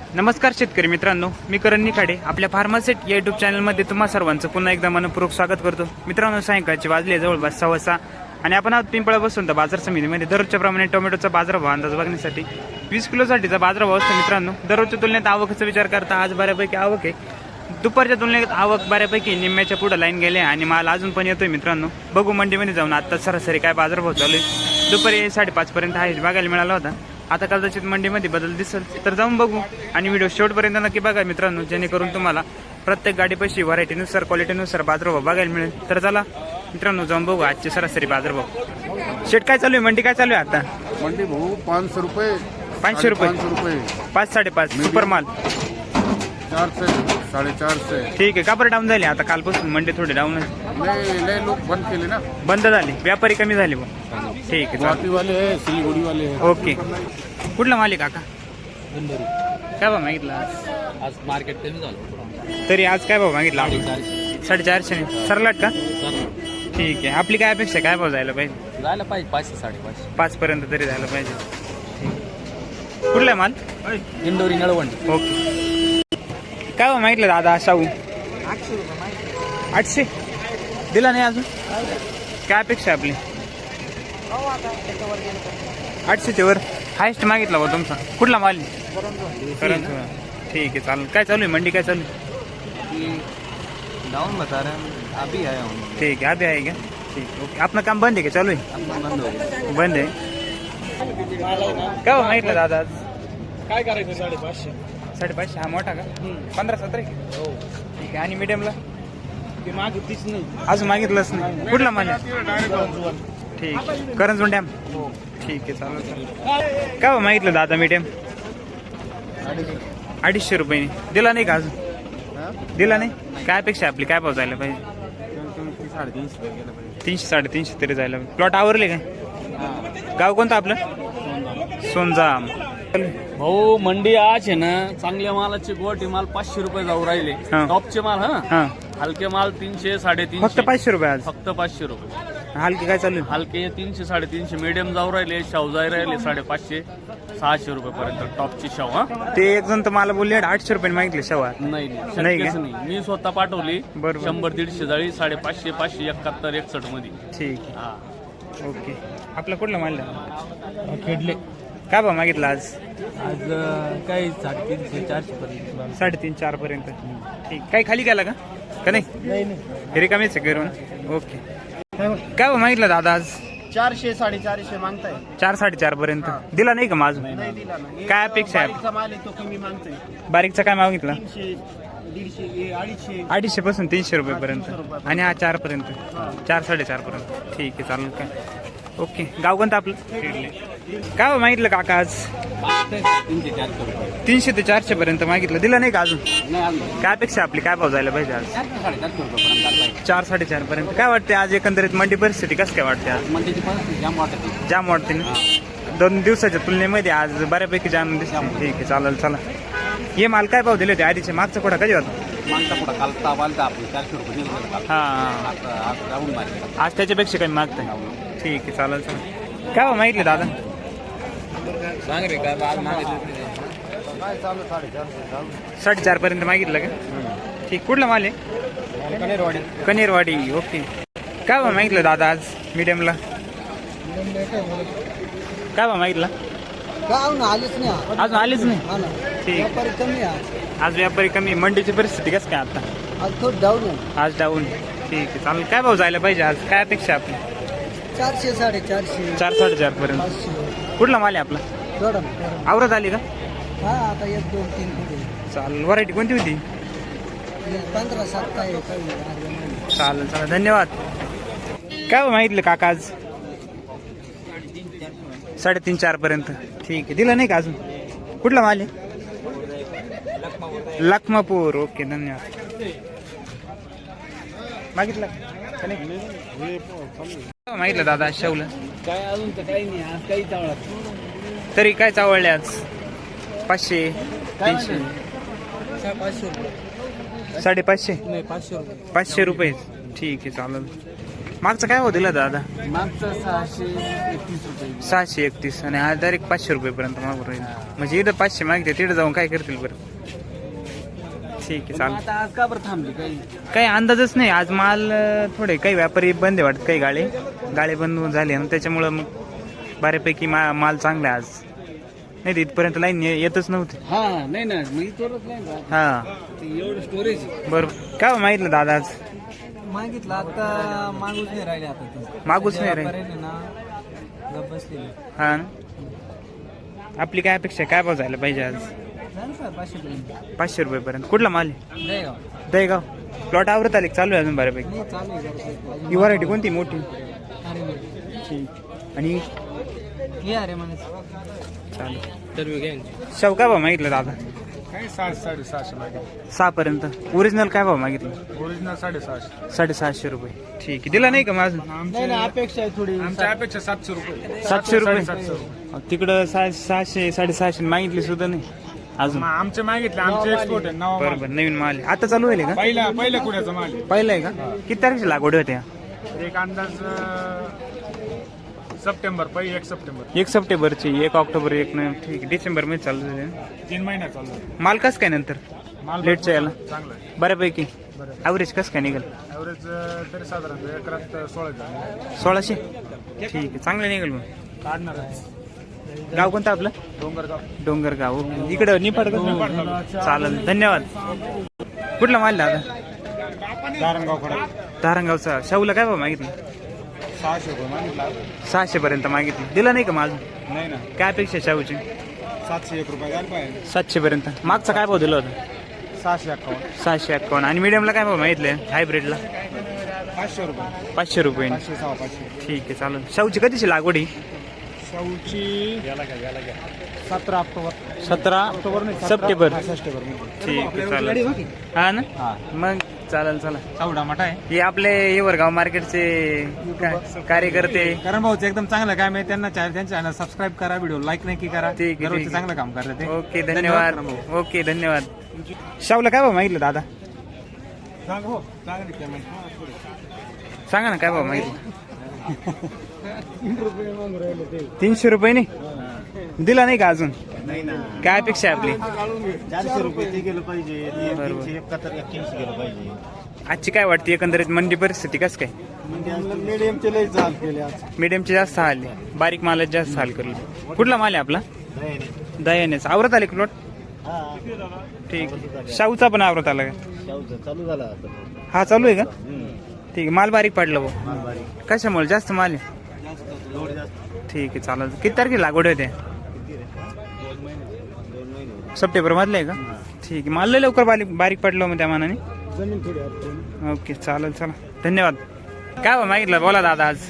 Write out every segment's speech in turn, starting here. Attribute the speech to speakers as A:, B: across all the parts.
A: नमस्कार शेतकरी मित्रांनो, मी करण निखाडे आपल्या फार्मासेट या युट्यूब चॅनलमध्ये तुम्हा सर्वांचं पुन्हा एकदा मनपूर्वक स्वागत करतो. मित्रांनो, सायंकाळचे वाजले जवळपास 6:15 आणि आपण आज पिंपळा बसून तर बाजार समितीमध्ये दररोजच्या प्रमाणे टोमॅटोचा बाजारभाव अंदाज बघण्यासाठी 20 किलोसाठीचा बाजारभाव असतो. मित्रांनो, दररोजच्या तुलनेत आवकचा विचार करता आज बऱ्यापैकी आवक आहे. दुपारच्या तुलनेत आवक बऱ्यापैकी निम्म्याच्या पुढे लाईन गेले आणि माल अजून पण येतोय. मित्रांनो, बघू मंडीमध्ये जाऊन आता सरासरी काय बाजारभाव चालू आहे. दुपारी 5:30 पर्यंत आहे बघायला मिळाला होता. आता कदाचित मंडीमध्ये बदल दिसेल तर जाऊन बघू आणि व्हिडिओ शेवटपर्यंत नक्की बघा मित्रांनो, जेणेकरून तुम्हाला प्रत्येक गाडीपाशी व्हरायटीनुसार क्वालिटीनुसार बाजारभाव बघायला मिळेल. तर चला मित्रांनो, जाऊन बघू आजचे सरासरी बाजारभाव. शेट काय चालू आहे, मंडी काय चालू आहे आता?
B: मंडी भाऊ 500 रुपये,
A: 500 रुपये, 5 5.5 सुपर माल
B: 400 450.
A: ठीक आहे. का बरं डाऊन झाली आता? कालपासून मंडी थोडी डाऊन
B: लय लोक बंद केले ना,
A: बंद झाली, व्यापारी कमी झाले. ठीक आहे,
B: गुवाहाटी वाले है, सिलीगुड़ी वाले है.
A: ओके. कुठला माल आहे काका? काय भाव मागितला
C: आज मार्केट कमी झालं
A: तरी? आज काय भाव मागितला? 450 सरलाट का?
C: जायला
A: ठीक आहे. आपली काय अपेक्षा आहे? काय भाव जायला पाहिजे?
C: पाहिजे 500 550.
A: 5 पर्यंत तरी जायला पाहिजे. कुठला आहे माल?
C: इंदोरी नळवंड.
A: ओके. काय भाव मागितलं दादा? शाहू 800 दिला नाही अजून. काय अपेक्षा आहे आपली? 800च्या वर हायस्ट मागितला बा तुमचा. कुठला माल? करंजोळा. ठीक आहे, चालेल. काय चालू आहे मंडी? काय चालू आहे?
C: डाउन बता रहे हैं, अभी आया हूँ.
A: ठीक आहे, अभी आहे का? ठीक आहे, ओके. आपलं काम बंद आहे का चालू आहे?
C: बंद हो गया.
A: बंद आहे. काय भाव मागितलं दादा आज?
D: काय करायचं? 550.
A: 550. हा मोठा का? 15-17
D: हो,
A: ठीक आहे. आणि मीडियमला
D: ते मागितलीच नाही.
A: अजून मागितलंच नाही. कुठला माल आहे? ठीक आहे, करंजोळ डॅम. ठीक आहे, चालेल चालेल. काय भाव मागितलं दादा मीडियम? 250 रुपये. दिला नाही का अजून? दिला नाही. काय अपेक्षा आपली? काय भाव जायला पाहिजे? 300-350 तरी जायला पाहिजे. प्लॉट आवरले काय? गाव कोणतं आपलं? सोनजाम.
D: भाऊ मंडी आज आहे ना, चांगल्या मालाचे गोटी माल 500 रुपये जाऊ राहिले.
A: हा.
D: टॉपचे माल,
A: हा,
D: हलके माल 300 350.
A: फक्त 500 रुपये आज.
D: फक्त 500 रुपये.
A: हलकी काय चालू आहे?
D: हलके 300 350. मीडियम जाऊ राहिले, शाहू जाई राहिले 550 600 रुपये पर्यंत टॉपची शाहू. हा,
A: ते एक जण तर मला बोलले 800 रुपये मागितले शेवा.
D: नाही
A: नाही
D: शक्यच
A: का?
D: नाही. मी स्वतः पाठवली.
A: बरोबर.
D: 100-150 जाळी 550 571 61 मध्ये.
A: ठीक आहे,
D: हा,
A: ओके. आपला कुठला माल?
D: खेडले.
A: काय भाव मागितला आज?
D: आज काही 350-400 पर्यंत.
A: 3.5-4 पर्यंत. ठीक. काही खाली गेला का? का नाही?
D: नाही.
A: रिकामीच आहे करून. ओके. काय भाव मागितला दादा आज?
E: 400 450 मागताय.
A: 4-4.5 पर्यंत दिला नाही का माझं?
E: नाही दिला ना.
A: काय अपेक्षा आहे?
E: बारीकचा माल आहे तो कमी मागतोय.
A: बारीकचा काय मागितला?
E: 300 150 250.
A: 250 पासून 300 रुपये पर्यंत. आणि हा 4 पर्यंत, 4-4.5 पर्यंत. ठीक आहे, चालेल. काय ओके. गाव कोणतं आपलं? काय भाव मागितलं काका आज?
D: 300-400 रुपये.
A: 300 ते 400 पर्यंत मागितलं. दिला नाही का अजून?
D: नाही अजून
A: काय अपेक्षा आपली? काय भाव जायला पाहिजे आज?
D: 400-450 रुपये
A: 4-4.5 पर्यंत. काय वाटते आज एकंदरीत मंडी परिस्थिती कसं काय वाटते आज?
D: मंडीची परिस्थिती जाम वाटते.
A: जाम वाटते ना? 2 दिवसाच्या तुलनेमध्ये आज बऱ्यापैकी जाम दिसते. ठीक आहे, चालेल. चला, हे माल काय भाव दिले होते आधीचे? मागचा कोठा कधी होता?
D: मागचा पुढं काल ताप आलता आपली 400 रुपये दिलं होतं काल.
A: हा,
D: आज जाऊन मार्केट.
A: आज त्याच्यापेक्षा कमी मागताय. ठीक आहे, चालेल. चला, काय भाव मागितले दादा?
D: सांग रे का आज मागितलं
A: 4.5 पर्यंत मागितलं का? ठीक. कुठला माल आहे? कनेरवाडी. ओके. काय भाव मागितलं दादा आज मीडियमला? काय भाव मागितला?
E: आलेच नाही.
A: अजून आलीच नाही. ठीक.
E: कमी आहे.
A: आज व्यापारी कमी. मंडीची परिस्थिती कसं काय आता?
E: आज थोडं डाऊन आहे.
A: आज डाऊन. ठीक आहे, चालेल. काय भाव जायला पाहिजे आज? काय अपेक्षा आपली?
E: 400 450
A: 4-4.5 पर्यंत.
E: 500.
A: कुठला माल आहे आपला?
E: थोडं
A: आवरत आली का?
E: हा, आता 1 2 3 पुढे
A: चालेल. व्हरायटी कोणती होती?
E: 15-7 आहे काही.
A: चालेल, चालेल. धन्यवाद. काय भाव मागितलं काका आज? 3.5-4 पर्यंत. ठीक आहे, दिलं नाही का अजून? कुठला माल आहे? लखमापूर. ओके, धन्यवाद. मागितलं का नाही? मागितलं दादा शेवलं?
D: काय अजून तर काही नाही. आज काही चावळत
A: तरी काय चावळले आज? 500 300
E: 500 रुपये.
A: 550
E: नाही 500 रुपये.
A: 500 रुपये. ठीक आहे, चालेल. मागचा काय भाव दिला दादा?
C: मागचा 631 रुपये
A: 631 आणि हा डायरेक्ट 500 रुपयेपर्यंत मागून राहील. म्हणजे इथं 500 मागते तिथे जाऊन काय करतील बरं? ठीक आहे चालेल.
C: आता आज का बरं थांबली
A: काही अंदाजच नाही. आज माल थोडे काही व्यापारी बंद आहे वाटत, काही गाळे बंद झाले आणि त्याच्यामुळं मग बऱ्यापैकी माल चांगला आहे आज. नाही तर इथपर्यंत लाईन येतच नव्हती.
C: हा नाही ना मी तोरच नाही ना.
A: हा
C: एवढं स्टोरेज
A: बरोबर. काय मागितलं दादा आज?
C: मागितलं आता मागूच नाही राहिले आता ते.
A: मागूच नाही राहिले.
C: राहिले ना गप्प बसलेले.
A: हा ना? आपली काय अपेक्षा आहे? काय भाव जायला पाहिजे आज?
C: झालं का 500 पर्यंत
A: 500 रुपयेपर्यंत. कुठला माल आहे?
C: दहेगाव.
A: दहेगाव. प्लॉट आवरत आले चालू आहे अजून बऱ्यापैकी.
C: नाही चालू आहे जरासं.
A: ही व्हरायटी कोणती मोठी?
C: अरे नाही.
A: ठीक. आणि
C: हे अरे म्हणे
A: चालेल.
C: तर
A: शेव काय भाव मागितलं दादा?
B: काय 700-750 मागे.
A: 6 पर्यंत. ओरिजिनल काय भाव मागितलं?
B: ओरिजिनल 650.
A: 750 रुपये. ठीक आहे. दिला नाही का माझं?
C: नाही ना अपेक्षा आहे थोडी.
B: आमच्या अपेक्षा 700 रुपये.
A: 700 रुपये.
B: 700 रुपये.
A: तिकडं 600 650 मागितली सुद्धा नाही अजून.
B: आमचे मागितले, आमचे एक्सपोर्ट आहे नवा माल.
A: बरोबर. नवीन माल आहे. आता चालू आहे का?
B: पहिल्या कुड्याचा माल आहे.
A: पहिलं आहे का? किती तारखेची लागवड होत्या?
B: एक अंदाज सप्टेंबर 1 सप्टेंबर
A: 1 सप्टेंबरची, 1 ऑक्टोबर, 1 ठीक आहे. डिसेंबर मध्ये चालू झाले.
B: 3 महिन्यात चालू आहे.
A: माल कसं काय नंतर?
B: माल
A: लेटच्या याला
B: चांगला आहे.
A: बऱ्यापैकी. ॲव्हरेज कसं काय निघेल?
B: ॲव्हरेज तरी साधारणतः एकरात 16 झाले.
A: 1600. ठीक आहे. चांगलं निघेल मग.
B: काढणार आहे.
A: गाव कोणतं आपलं?
B: डोंगरगाव.
A: डोंगरगाव. ओके. इकडं निफाड का? चालेल. धन्यवाद. कुठला माल दादा?
B: धारणगाव खडा.
A: धारणगावचा. शाहूला काय भाव मागितलं?
B: 600 रुपये मागितला.
A: 600 पर्यंत मागितलं. दिला नाही का माझं?
B: नाही ना.
A: काय अपेक्षा आहे शाहूची?
B: 701 रुपये घाल पाहिजे.
A: 700 पर्यंत. मागचा काय भाव दिला होता?
B: 651.
A: 651. आणि मीडियमला काय भाव मागितले? हायब्रिडला
B: 500 रुपये.
A: 500 रुपये.
B: 500.
A: ठीक आहे चालेल. शाहूची कधीची लागवड आहे?
B: शाहूची 17 ऑक्टोबर.
A: 17
B: ऑक्टोबर नाही,
A: सप्टेंबर.
B: सप्टेंबर.
A: ठीक आहे चालेल. हा ना? मग चालेल. चला.
B: शाहू टमाटा आहे.
A: हे आपले येवरगाव मार्केटचे कार्यकर्ते.
C: कारण भाऊचं एकदम चांगलं काम आहे. त्यांना त्यांच्या चॅनल सबस्क्राईब करा, व्हिडिओ लाईक नाही की करा.
A: ठीक आहे,
C: दररोजचं
A: ठीक आहे.
C: चांगलं काम करतात ते.
A: ओके धन्यवाद. ओके धन्यवाद. शाहूला काय भाव मागितलं दादा? सांगा ना काय भाव मागितलं? 300 रुपये नाही दिला नाही का अजून? काय अपेक्षा आहे आपली?
F: 400 रुपये ते गेलं पाहिजे.
A: बरोबर.
F: 371 गेलं पाहिजे.
A: आजची काय वाटते एकंदरीत मंडी परिस्थिती कसं काय?
F: म्हणजे मीडियमचे लय चाल केले आज.
A: मीडियमचे जास्त हाल आहे, बारीक मालात जास्त हाल करले. कुठला माल आहे आपला? दह्यानेच. आवरत आले प्लॉट?
F: हा
A: ठीक आहे. शाहूचा पण आवरत आला का?
F: शाहूचं चालू झाला आता.
A: हा चालू आहे का? ठीक आहे. माल बारीक पडला भाऊ.
F: माल बारीक.
A: कशामुळे? जास्त माल आहे.
F: लोड जास्त.
A: ठीक आहे चालेल. किती तारखेला लागवड होते?
F: 2 महिने.
A: सप्टेंबर मधलं आहे का? ठीक आहे. माल लय लवकर बारीक पडलं मग त्या मानाने.
F: जमीन थोडी अडचण.
A: ओके चालेल. चला धन्यवाद. काय भाव मागितलं बोला दादा आज?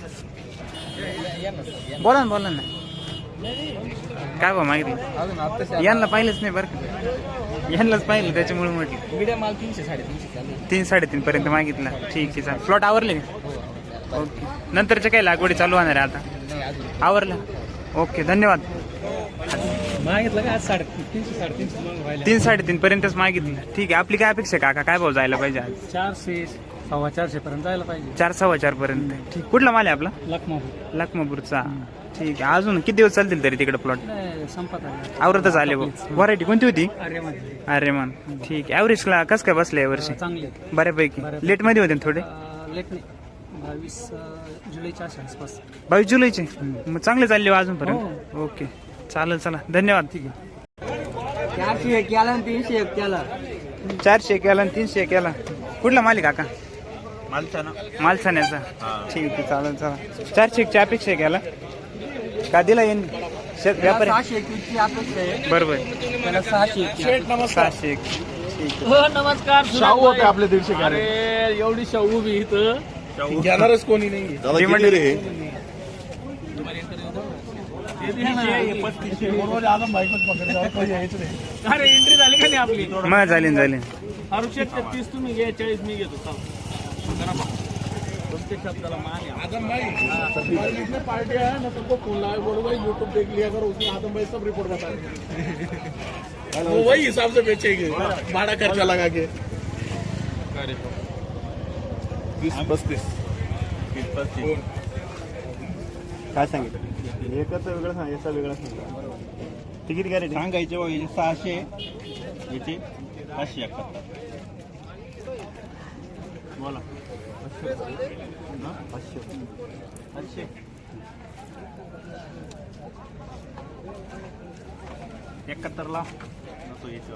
A: बोला ना. काय भाव मागितलं? यांना पाहिलंच नाही बरं का. यांनाच पाहिलं त्याच्यामुळे म्हटलं.
C: मीडियम माल 300 350 चालू आहे.
A: 3-3.5 पर्यंत मागितला. ठीक आहे चालेल. प्लॉट आवरले का? ओके. नंतरच्या काही लागवडी चालू होणार आहे आता?
C: नाही अजून
A: आवरला. ओके धन्यवाद.
C: मागितलं का आज 350 350 व्हायला.
A: 3-3.5 पर्यंतच मागितलं. ठीक आहे. आपली काय अपेक्षा आहे काका? काय भाव जायला पाहिजे आज?
C: 400 450 पर्यंत जायला पाहिजे.
A: 4-4.25 पर्यंत. ठीक. कुठला माल आहे आपला?
C: लखमापूर.
A: लखमापूरचा. ठीक आहे. अजून किती दिवस चालतील तरी तिकडे प्लॉट?
C: नाही संपत आहे.
A: आवरतच आले भाऊ. व्हरायटी कोणती होती?
C: आर्यमध्ये
A: अरेमान. ठीक आहे. ॲव्हरेजला कसं काय बसलं यावर्षी?
C: चांगले
A: बऱ्यापैकी. लेटमध्ये होते ना थोडे?
C: लेट नाही 22 जुलैच्या आसपास.
A: 22 जुलैचे. मग चांगले चालले हो अजूनपर्यंत. ओके चालेल. चला धन्यवाद. ठीक आहे.
C: 400 केला आणि 300 केला.
A: 400 केला आणि 300 केला. कुठला माल आहे काका?
F: मालचा
A: मालसाण्याचा. ठीक आहे चालेल. चला 400 अपेक्षा केला का दिला येईन व्यापारी?
C: 621 ची अपेक्षा आहे.
A: बरोबर.
C: त्याला 601.
A: 601. ठीक
C: हो नमस्कार.
B: शाहू होते आपले 150.
C: अरे एवढी शाहू उभी इथं.
B: घेणारच कोणी नाही.
A: आहे.
C: अरे एंट्री झाली का नाही आपली?
A: मग झाले.
C: अरुषेक 30 तुम्ही घ्या 40 मी घेतो. प्रत्येक शब्दाला मान आहे.
B: आदम भाई इसमें पार्टी है ना, तुमको फोन लगाए बोलो भाई यूट्यूब देख लिया करो, उसमें आदम भाई सब रिपोर्ट बता देंगे. वो वही हिसाब से बेचेंगे भाड़ा खर्चा लगा के. 30-32
F: काय सांगितलं एकच वेगळं सांग याचा वेगळा सांगितलं तिकीट गॅरेंटी सांगायचे बघ याचे 600 याचे 571 बोला 500 71 ला नको याचे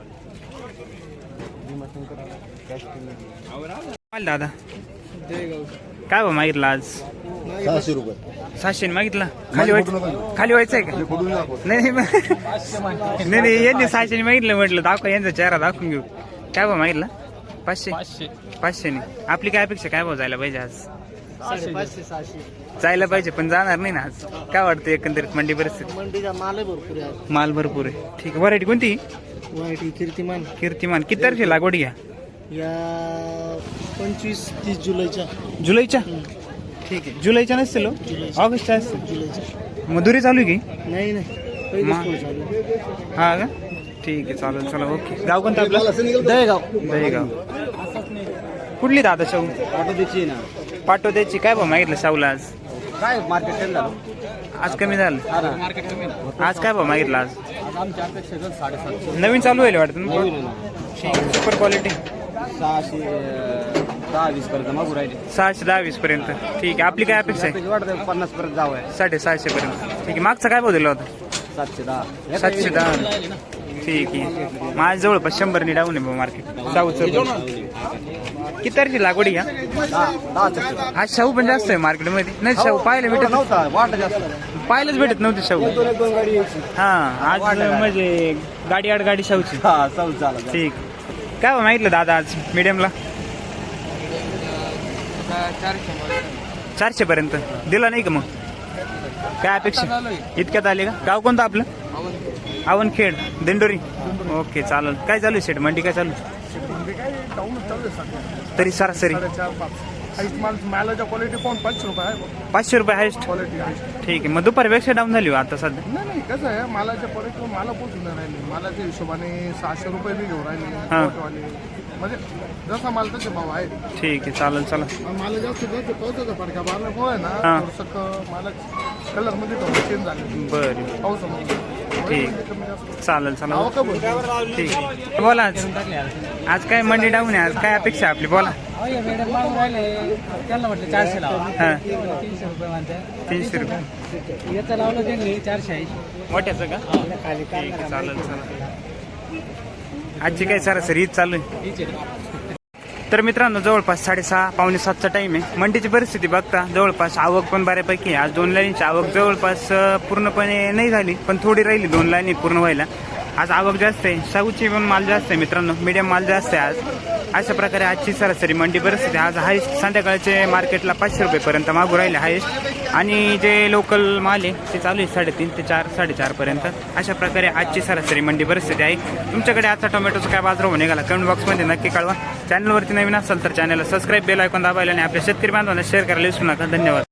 A: माल दादा काय भाव मागितला आज
F: 600 रुपये
A: 700 मागितला खाली व्हायचंय का नाही नाही यांनी 600 मागितलं म्हटलं दाखव यांचा चेहरा दाखवून घेऊ काय भाव मागितला 500 ने आपली काय अपेक्षा काय भाव जायला पाहिजे आज
E: 500-600
A: जायला पाहिजे पण जाणार नाही ना आज काय वाटतं एकंदरीत मंडी परिस्थिती
E: मंडीचा माल भरपूर आहे
A: माल भरपूर आहे ठीक आहे व्हरायटी कोणती
E: वाईट कीर्तिमान
A: कीर्तिमान किती तारखेला लागवड घ्या
E: या 25-30 जुलैच्या
A: जुलैच्या ठीक आहे जुलैच्या नसतील हो? ऑगस्टच्या असतील
E: जुलैच्या
A: मधुरी चालू आहे की
E: नाही पहिलेच पोहोच चालू
A: हा का ठीक आहे चालेल चला ओके गाव कोणतं आपलं
E: दहेगाव
A: दहीगाव कुठली दादा शाहू
F: ऑटो द्यायची ना
A: पाटोद्याची काय भाव मागितलं शाहूला आज
F: काय मार्केट केलं झालं
A: आज कमी झालं
F: मार्केट कमी ना
A: आज काय भाव मागितला आज
F: आज आमच्या अपेक्षा 750
A: नवीन चालू व्हायला वाटतं ना सुपर क्वालिटी
F: 610-20 पर्यंत मागू राहिले
A: 610-20 पर्यंत ठीक आहे आपली काय अपेक्षा आहे
F: वाटतं 50 पर्यंत जावं आहे
A: 650 पर्यंत ठीक आहे मागचा काय भाव दिला होता
F: 710
A: 710 ठीक आहे माझ्या जवळपास 100 नि डाऊन आहे भाऊ मार्केट शाहूचं किती तारखेला लागवड घ्या
F: 10
A: आज शाहू पण जास्त आहे मार्केटमध्ये नाही शाहू पाहायला भेटत
F: नव्हता वाट जास्त
A: पाहायलाच भेटत नव्हते शाहू
F: दोन गाडी
A: हा आज म्हणजे गाडी आड गाडी शाहूची
F: हा चल चालेल
A: ठीक काय भाव मागितलं दादा आज मीडियमला 400 पर्यंत दिला नाही का मग काय अपेक्षा इतक्यात आले का गाव कोणतं आपलं आवनखेड दिंडोरी ओके चालेल काय चालू आहे शेट मंडी काय चालू तरी सरासरी
B: मालाच्या क्वालिटी पाहून 500 रुपये आहे
A: 500 रुपये हायस्ट
B: क्वालिटी आहे
A: ठीक आहे मग दुपारपेक्षा डाऊन झाली हो आता सध्या
B: नाही कसं आहे मालाच्या क्वालिटी मला पोचून नाही राहिले मालाच्या हिशोबाने 600 रुपये बी घेऊन राहिले
A: हा.
B: पोटवाले. म्हणजे जसा माल तसे भाव आहे
A: ठीक आहे चालेल चला
B: मला जास्त पावसाचा फरक आहे मारल्यामुळे ना
A: हा.
B: थोडंसं मला कलर मध्ये थोडं चेंज झाले
A: बरं
B: पावसामध्ये
A: ठीक
B: कमी जास्त
A: चालेल चला
B: नाव का बोलतो?
A: ठीक आहे बोला आज काय मंडी डाऊन आहे आज काय अपेक्षा आहे आपली बोला
E: त्यांना म्हटलं 400 लावा
A: हां
E: 300 रुपये म्हणते
A: 300 रुपये
E: याचं लावलं त्यांनी 480
A: मोठ्याचं का
E: खाली
A: ठीक आहे चालेल चला आजची काय सरासरी हीच चालू आहे तर मित्रांनो जवळपास 6:30-6:45चा टाइम आहे मंडीची परिस्थिती बघता जवळपास आवक पण बऱ्यापैकी आहे आज 2 लाईनची आवक जवळपास पूर्णपणे नाही झाली पण थोडी राहिली 2 लाईनी पूर्ण व्हायला आज आवक जास्त आहे शाहूची पण माल जास्त आहे मित्रांनो मीडियम माल जास्त आहे आज अशा प्रकारे आजची सरासरी मंडी परिस्थिती आज हायस्ट संध्याकाळचे मार्केटला 500 रुपयेपर्यंत मागू राहिले हायस्ट आणि जे लोकल माल आहे ते चालू आहे 3.5 ते 4-4.5 पर्यंत अशा प्रकारे आजची सरासरी मंडी परिस्थिती आहे तुमच्याकडे आजचा टोमॅटोचा काय बाजारभाव निघाला कमेंट बॉक्समध्ये नक्की कळवा चॅनलवरती नवीन असेल तर चॅनलला सबस्क्राईब बेल आयकॉन दाबायला आणि आपल्या शेतकरी बांधवांना शेअर करायला विसरू नका धन्यवाद